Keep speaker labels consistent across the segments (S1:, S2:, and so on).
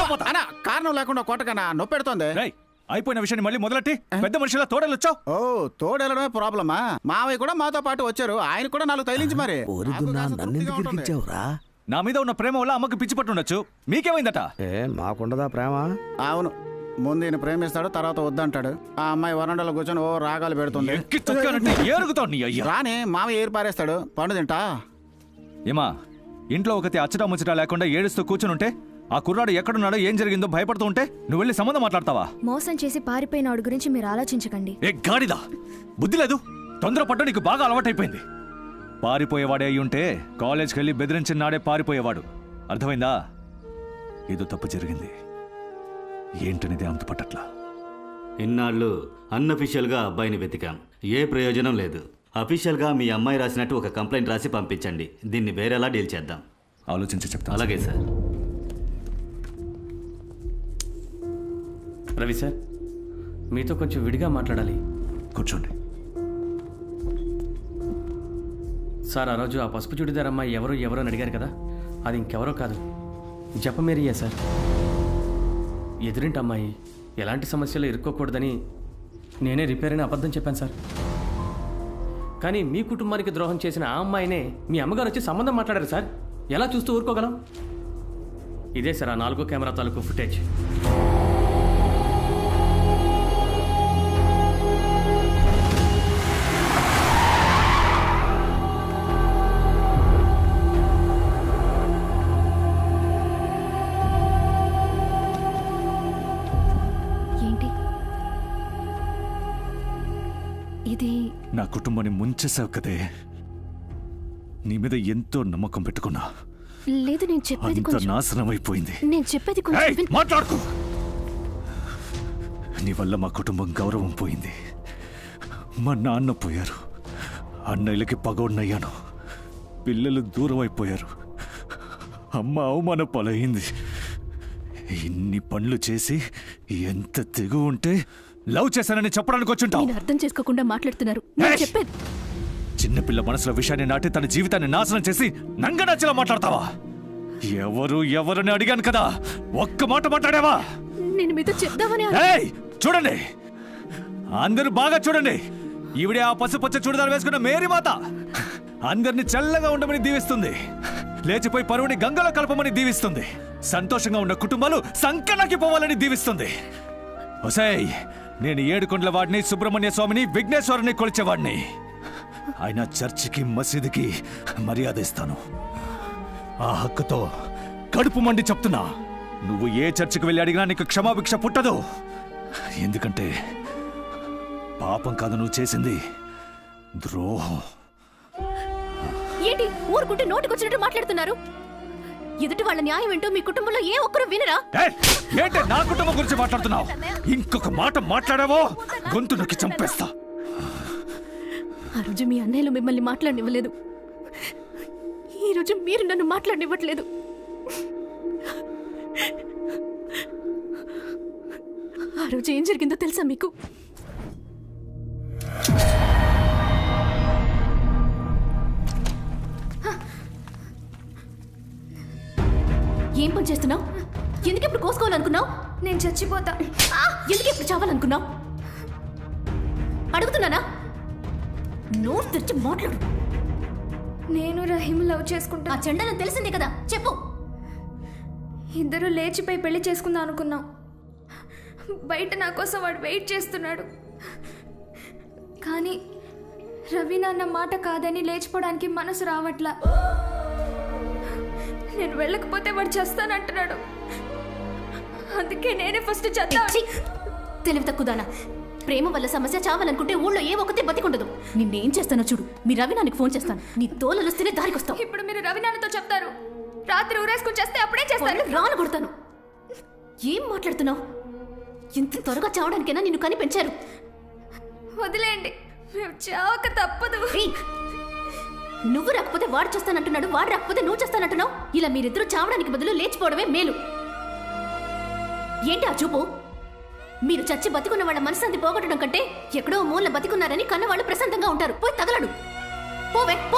S1: అన్నా కారణం లేకుండా కొట్టకన్నా నొప్పి పెడుతోంది.
S2: అయిపోయిన విషయాన్ని మళ్ళీ మొదలెట్టి పెద్ద మనిషిలా తోడెళ్ళొచ్చావు.
S1: ఓ తోడెళ్ళడమే ప్రాబ్లమా? మావయ్య కూడా మాతో పాటు వచ్చారు, ఆయన కూడా 4 తైలించి మరి.
S2: నా మీద ఉన్న ప్రేమ వల్ల అమ్మకి పిచ్చి పట్టుండొచ్చు, మీకేమైందట?
S3: మాకుండదా ప్రేమ?
S1: అవును, ముందు ఈయన ప్రేమిస్తాడు, తర్వాత వద్దంటాడు. ఆ అమ్మాయి వరండాలో కూర్చొని ఓ రాగాలు పెడుతుంది. రాని మావయ్య ఏరు పారేస్తాడు, పండు తింటా.
S2: ఏమా ఇంట్లో ఒకటి అచ్చటా ముచ్చటా లేకుండా ఏడుస్తూ కూర్చునుంటే ఆ కుర్రాడు ఎక్కడున్నాడో ఏం జరిగిందో భయపడుతూ ఉంటే నువ్వు వెళ్ళి సంబంధం మాట్లాడతావా?
S4: మోసం చేసి పారిపోయిన వాడి గురించి మీరు ఆలోచించకండి.
S2: ఏ గాడిదా, బుద్ధి లేదు, తొందరపడ్డ నీకు బాగా అలవాటైపోయింది. పారిపోయేవాడే అయి ఉంటే కాలేజ్కి వెళ్ళి బెదిరించిన నాడే పారిపోయేవాడు. అర్థమైందా? ఏదో తప్పు జరిగింది, ఏంటనేది అంత పట్టట్లా.
S5: ఇన్నాళ్ళు అన్అఫీషియల్గా అబ్బాయిని వెతికాం, ఏ ప్రయోజనం లేదు. అఫీషియల్గా మీ అమ్మాయి రాసినట్టు ఒక కంప్లైంట్ రాసి పంపించండి, దీన్ని వేరేలా డీల్ చేద్దాం.
S2: ఆలోచించి చెప్తా.
S5: అలాగే సార్.
S6: రవి సార్, మీతో కొంచెం విడిగా మాట్లాడాలి.
S2: కూర్చోండి.
S6: సార్, ఆ రోజు ఆ పసుపు చుడిదార్ అమ్మాయి ఎవరు అని అడిగారు కదా, అది ఇంకెవరో కాదు, జపమేరియా సార్. ఎదురింటి అమ్మాయి ఎలాంటి సమస్యలు ఇరుక్కోకూడదని నేనే రిపేర్ అని అబద్ధం చెప్పాను సార్. కానీ మీ కుటుంబానికి ద్రోహం చేసిన ఆ అమ్మాయినే మీ అమ్మగారు వచ్చి సంబంధం మాట్లాడారు సార్. ఎలా చూస్తూ ఊరుకోగలం? ఇదే సార్ ఆ 4 కెమెరా తాలూకు ఫుటేజ్.
S2: నా కుటుంబాన్ని ముంచేసావు కదే, నీ మీద ఎంతో నమ్మకం పెట్టుకున్నా.
S4: లేదు, నేను చెప్పేది కొంచెం
S2: నాశనం అయిపోయింది.
S4: నేను చెప్పేది కొంచెం
S2: మాట్లాడుకో. నీ వల్ల మా కుటుంబం గౌరవం పోయింది, మా నాన్న పోయారు, అన్నయ్యలకి పగోడినయ్యాను, పిల్లలు దూరం అయిపోయారు, అమ్మ అవమాన పాలైంది. ఇన్ని పనులు చేసి ఎంత తెగు ఉంటే లవ్ చేశానని చెప్పడానికి వచ్చుంటావు.
S4: అర్థం చేసుకోకుండా మాట్లాడుతున్నారు. చెప్పేది
S2: చిన్నపిల్ల మనసులో విషయాన్ని నాటి తన జీవితాన్ని నాశనం చేసి నంగనచ్చలా మాట్లాడతావా? ఎవరని అడిగాను కదా, ఒక్క మాట మాట్లాడావా?
S4: నేను మీతో చెప్దామని.
S2: చూడండి, అందరూ బాగా చూడండి. ఈవిడే ఆ పసుపచ్చ చూడదారు వేసుకున్న మేరీ మాత అందరిని చల్లగా ఉండమని దీవిస్తుంది, లేచిపోయి పరువుని గంగలో కలపమని దీవిస్తుంది, సంతోషంగా ఉన్న కుటుంబాలు సంకనాకి పోవాలని దీవిస్తుంది. ఒసేయ్, నేను 7 కొండల వాడిని, సుబ్రహ్మణ్య స్వామిని, విఘ్నేశ్వరుని కొలిచేవాడిని. ఆయన చర్చికి మసీదుకి మర్యాద ఇస్తాను. ఆ హక్కుతో కడుపు మండి చెప్తున్నా, నువ్వు ఏ చర్చికి వెళ్ళి అడిగినా నీకు క్షమాభిక్ష పుట్టదు. ఎందుకంటే పాపం కాదు నువ్వు చేసింది, ద్రోహం.
S4: ఏంటి ఊరుకుంటే నోటికొచ్చినట్టు మాట్లాడుతున్నారు? ఎదుటి వాళ్ళ న్యాయం ఏంటో మీ కుటుంబంలో ఏ ఒక్కరు వినరా?
S2: ఏంటి నా కుటుంబం గురించి మాట్లాడుతున్నావు? ఇంకొక మాట మాట్లాడావో గొంతు నొక్కి చంపేస్తా.
S4: ఆ రోజు మీ అన్నయ్యలు మిమ్మల్ని మాట్లాడనివ్వలేదు, ఈ రోజు మీరు నన్ను మాట్లాడనివ్వట్లేదు. ఆ రోజు ఏం జరిగిందో తెలుసా మీకు? ఏం పని చేస్తున్నావు? ఎందుకు ఇప్పుడు కోసుకోవాలనుకున్నావు?
S7: నేను చచ్చిపోతా.
S4: ఎందుకు ఇప్పుడు చావాలనుకున్నావు? అడుగుతున్నానా? నోరు తెరిచి మాట్లాడు.
S7: నేను రహీం లవ్ చేసుకుంటా.
S4: ఆ చెండాలని తెలిసిందే కదా, చెప్పు.
S7: ఇద్దరు లేచిపోయి పెళ్లి చేసుకుందాం అనుకున్నాం. బయట నా కోసం వాడు వెయిట్ చేస్తున్నాడు. కానీ రవి నాన్న మాట కాదని లేచిపోవడానికి మనసు రావట్లా. నేను వెళ్ళకపోతే వాడు చేస్తానంటున్నాడు. అందుకే నేనే ఫస్ట్ చేద్దాం.
S4: తెలివి తక్కువదానా. ప్రేమ వల్ల సమస్య చావాలనుకుంటే ఊళ్ళో ఏ ఒక్కతే బతికుండదు. నిన్నేం చేస్తానో చూడు. మీ రవినానికి ఫోన్ చేస్తాను. నీ తోలలుస్తేనే దారికొస్తావు.
S7: ఇప్పుడు మీరు రవినాన్నతో చెప్తారు, రాత్రి ఊరేసుకుని చేస్తే అప్పుడే చేస్తాను.
S4: రాను కొడతాను. ఏం మాట్లాడుతున్నావు? ఇంత త్వరగా చావడానికైనా నిన్ను కని పెంచారు.
S7: వదిలేయండి, మేము చావక తప్పదు.
S4: నువ్వు రాకపోతే వాడు చేస్తానంటున్నాడు, వాడు రాకపోతే నువ్వు చేస్తానంటున్నావు. ఇలా మీరిద్దరూ చావడానికి బదులు లేచిపోవడమే మేలు. ఏంటి ఆ చూపు? మీరు చచ్చి బతికున్న వాళ్ళ మనశ్శాంతి పోగొట్టడం కంటే ఎక్కడో మూల బతికున్నారని కన్నవాళ్ళు ప్రశాంతంగా ఉంటారు. పోయి తగలడు. పోవే పో.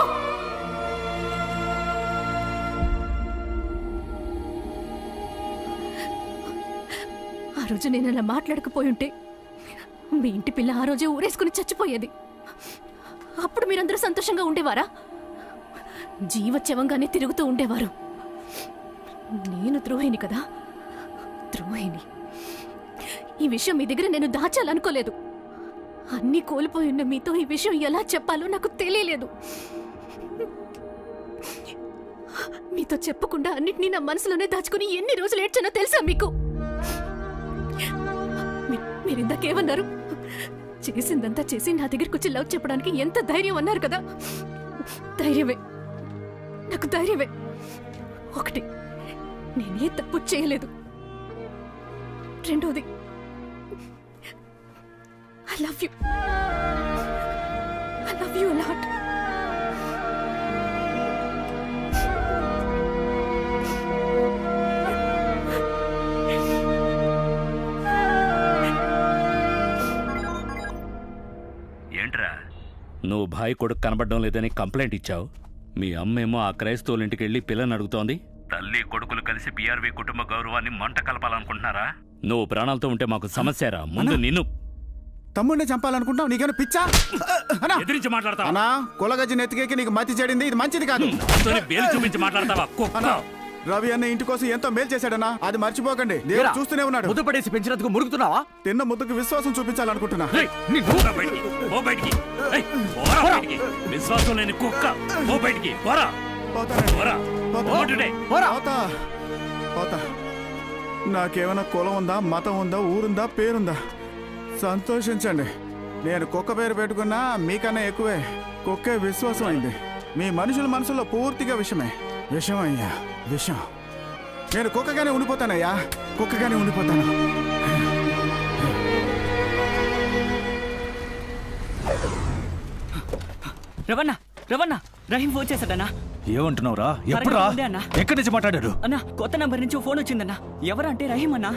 S4: రోజు నేను అలా మాట్లాడకపోయి ఉంటే మీ ఇంటి పిల్ల ఆ రోజే ఊరేసుకుని చచ్చిపోయేది. అప్పుడు మీరందరూ సంతోషంగా ఉండేవారా? జీవచ్యవంగానే తిరుగుతూ ఉండేవారు. నేను ద్రోహిని కదా, ద్రోహిని. ఈ విషయం మీ దగ్గర నేను దాచాలనుకోలేదు. అన్నీ కోల్పోయి ఉన్న మీతో ఈ విషయం ఎలా చెప్పాలో నాకు తెలియలేదు. మీతో చెప్పకుండా అన్నిటినీ నా మనసులోనే దాచుకుని ఎన్ని రోజులు ఏడ్చానో తెలుసా మీకు? మీరు ఇందాకేమన్నారు? చేసిందంతా చేసి నా దగ్గరకు వచ్చి లవ్ చెప్పడానికి ఎంత ధైర్యం అన్నారు కదా. ధైర్యమే, నాకు ధైర్యమే. ఒకటి, నేనే తప్పు చేయలేదు. రెండోది, I love you. I love you a lot.
S3: ఏంట్రా, నువ్వు భాయ్ కొడుకు కనబడడం లేదని కంప్లైంట్ ఇచ్చావు. మీ అమ్మేమో ఆ క్రైస్తవుల ఇంటికి వెళ్ళి పిల్లని అడుగుతోంది. తల్లి కొడుకులు కలిసి పిఆర్వి కుటుంబ గౌరవాన్ని మంట కలపాలనుకుంటున్నారా? నువ్వు ప్రాణాలతో ఉంటే మాకు సమస్యరా. ముందు నిన్ను
S1: తమ్ముడిని చంపాలనుకుంటావు? నీకేమైనా పిచ్చా?
S3: ఎదిరించి మాట్లాడతావా?
S1: అన్నా, కులగజ్జి నెత్తికేకి నీకు మతి చెడింది. ఇది మంచిది కాదు.
S3: వేలు చూపించి మాట్లాడతావా?
S1: రవి అన్న ఇంటి కోసం ఎంతో మేలు చేశాడన్నా, అది మర్చిపోకండి. దేవుడు చూస్తూనే ఉన్నాడు.
S2: ముద్దు పడేసి పెంచినందుకు మురుగుతున్నావా?
S1: తిన్న ముద్దుకు విశ్వాసం చూపించాలనుకుంటున్నా.
S3: విశ్వాసం లేని కుక్క, బయటికి
S1: పోతా. నాకేమైనా కులం ఉందా, మతం ఉందా, ఊరుందా, పేరుందా? సంతోషించండి. నేను కుక్క పేరు పెట్టుకున్నా మీకన్నా ఎక్కువే. కుక్కే విశ్వాసం అయింది. మీ మనుషుల మనసులో పూర్తిగా విషమే. విషం అయ్యా, విషం. నేను కుక్కగానే ఉండిపోతానయ్యా, కుక్కగానే ఉండిపోతాను.
S8: రవణ, రవణ, రహీం ఫోన్ చేశాడన్నా.
S2: ఏమంటున్నావురా? ఎప్పుడురా? ఎక్కడి నుంచి మాట్లాడాడు?
S8: అన్నా, కొత్త నంబర్ నుంచి ఫోన్ వచ్చిందన్నా. ఎవరంటే రహీం అన్నా.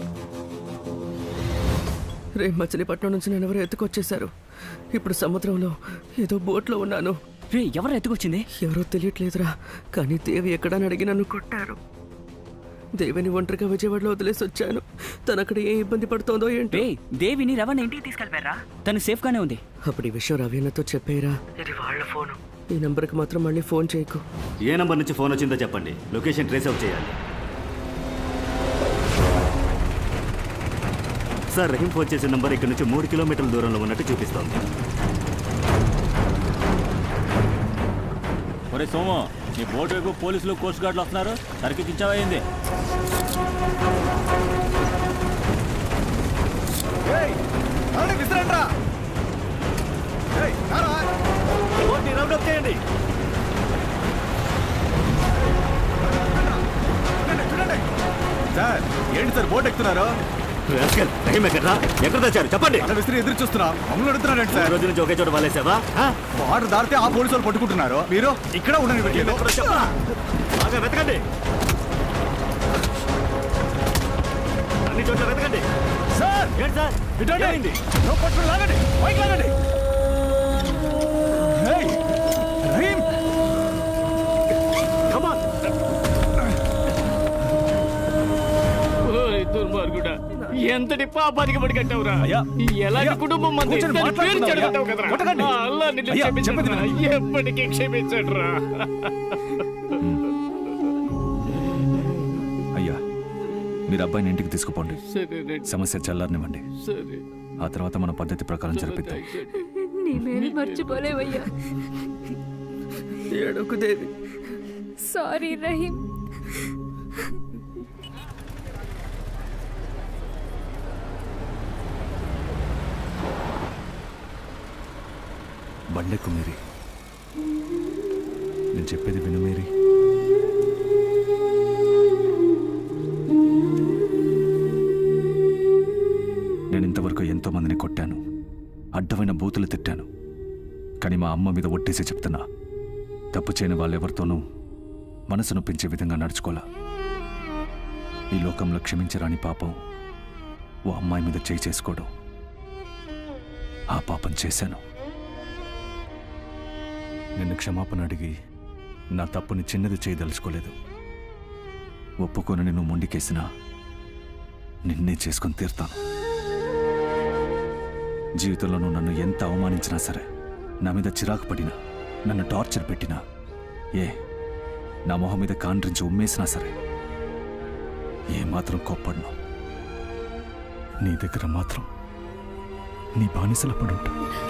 S9: రేపు మచిలీపట్నం నుంచి నేను ఎవరో ఎత్తుకొచ్చేశారు. ఇప్పుడు సముద్రంలో ఏదో బోట్లో ఉన్నాను.
S8: రే, ఎవరు ఎత్తుకొచ్చింది?
S9: ఎవరో తెలియట్లేదురా, కానీ దేవి ఎక్కడని అడిగి నన్ను కొట్టారు. దేవిని ఒంటరిగా విజయవాడలో వదిలేసి వచ్చాను. తను అక్కడ ఏ ఇబ్బంది పడుతోందో ఏంటి.
S8: దేవిని రవణ ఇంటికి తీసుకెళ్ళిపోయారా? తను సేఫ్ గానే ఉంది.
S9: అప్పుడు ఈ విషయం రవీణతో చెప్పారా? ఇది వాళ్ళ ఫోను. ఈ నంబర్కి మాత్రం మళ్ళీ ఫోన్ చేయకు.
S5: ఏ నంబర్ నుంచి ఫోన్ వచ్చిందో చెప్పండి, లొకేషన్ ట్రేస్ అవుట్ చేయాలి. సార్, రహీం ఫోన్ చేసే నంబర్ ఇక్కడ నుంచి 3 కిలోమీటర్ల దూరంలో ఉన్నట్టు చూపిస్తోంది.
S3: ఒరే సోము, నీ బోట్ వైపు పోలీసులు, కోస్ట్ గార్డులు వస్తున్నారు. సరికి తెచ్చావైంది.
S2: సార్, ఏంటి సార్ బోట్ ఎక్కుతున్నారు?
S5: ఎక్కడ తెచ్చారు చెప్పండి.
S2: విసిరి ఎదురు చూస్తున్నా. మమ్మల్ని అడుగుతున్నారండి సార్.
S5: రోజు నుంచి ఒకే చోట వాళ్ళేసావా?
S2: వాటర్ దాటితే ఆ పోలీసు వాళ్ళు పట్టుకుంటున్నారు. మీరు ఇక్కడ ఉండండి.
S5: బాగా వెతకండి, అన్ని చోట్ల వెతకండి.
S2: సార్,
S5: ఏంటి సార్?
S2: ఇటండి. పట్టుకుని లాగండి, పైకి లాగండి. రహీం,
S6: దుర్మార్గుడా, ఎంతటి పాపానికి పడికట్టావురా. ఎలాంటి కుటుంబం మంది ఎప్పటికీ క్షమించడురా.
S2: అయ్యా, మీరు అబ్బాయిని ఇంటికి తీసుకుపోండి. సమస్య చల్లారనివ్వండి. ఆ తర్వాత మన పద్ధతి ప్రకారం జరిపిద్దాం.
S7: నీ మేలు మర్చిపోలేవయ్యా.
S9: ఏడోకు దేవి.
S7: సారీ రహీం.
S2: బండెక్కు మేరీ. నేను చెప్పేది విను మేరీ. నేను ఇంతవరకు ఎంతో మందిని కొట్టాను, అడ్డమైన బూతులు తిట్టాను. కానీ మా అమ్మ మీద ఒట్టేసి చెప్తున్నా, తప్పు చేయని వాళ్ళెవరితోనూ మనసు నొప్పించే విధంగా నడుచుకోలా. ఈ లోకంలో క్షమించరాని పాపం ఓ అమ్మాయి మీద చేయి చేసుకోవడం. ఆ పాపం చేశాను. నిన్ను క్షమాపణ అడిగి నా తప్పుని చిన్నది చేయదలుచుకోలేదు. ఒప్పుకొని నువ్వు మొండికేసినా నిన్నే చేసుకొని తీరుతాను. జీవితంలో నువ్వు నన్ను ఎంత అవమానించినా సరే, నా మీద చిరాకు పడినా, నన్ను టార్చర్ పెట్టినా, నా మొహం మీద కాండ్రించి ఉమ్మేసినా సరే ఏమాత్రం కోప్పడను. నీ దగ్గర మాత్రం నీ బానిసల పడుంటా.